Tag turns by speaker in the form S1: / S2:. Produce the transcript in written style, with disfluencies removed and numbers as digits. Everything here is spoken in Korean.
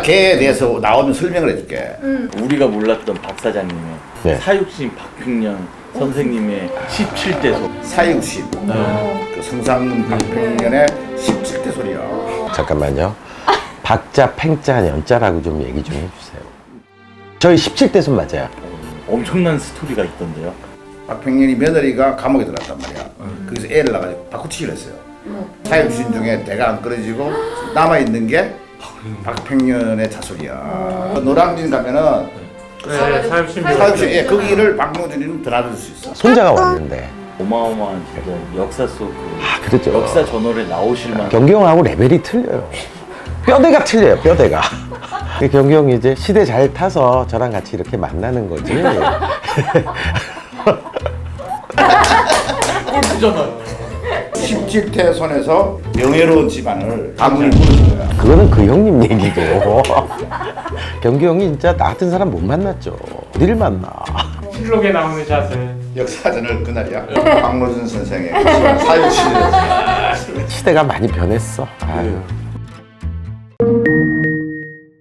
S1: 걔에 대해서 나오면 설명을 해줄게.
S2: 우리가 몰랐던 박 사장님의
S3: 네.
S2: 사육신 박평년 선생님의 17대 소.
S1: 사육신. 그 성상문 박평년의 17대 소리야.
S3: 잠깐만요. 박자, 팽자, 연자라고 좀 얘기 좀 해주세요. 저희 17대 손 맞아요.
S2: 엄청난 스토리가 있던데요.
S1: 박평년이 며느리가 감옥에 들어갔단 말이야. 거기서 애를 낳아가지고 바꾸치기를 했어요. 사육신 중에 대가 안 끊어지고 남아있는 게 박평년의 자손이야. 노량진 가면은
S4: 네, 사육신
S1: 사육신, 예, 거기를 박노준이는 드나들 수 있어.
S3: 손자가 왔는데.
S2: 어마어마한 진짜 역사 속 그
S3: 아, 그렇죠.
S2: 역사 저널에 나오실 만한
S3: 경기 형하고 레벨이 틀려요. 뼈대가 틀려요, 뼈대가. 경기 형이 이제 시대 잘 타서 저랑 같이 이렇게 만나는 거지.
S1: 17대 손에서 명예로운 집안을 가문을 꾸려준 거야.
S3: 그거는 그 형님 얘기고. 경기 형이 진짜 나 같은 사람 못 만났죠. 어디를 만나.
S4: 실록에 나오는 샷을
S1: 역사전을 그날이야. 박노준 선생의 사육신.
S3: 시대가 많이 변했어. 아유.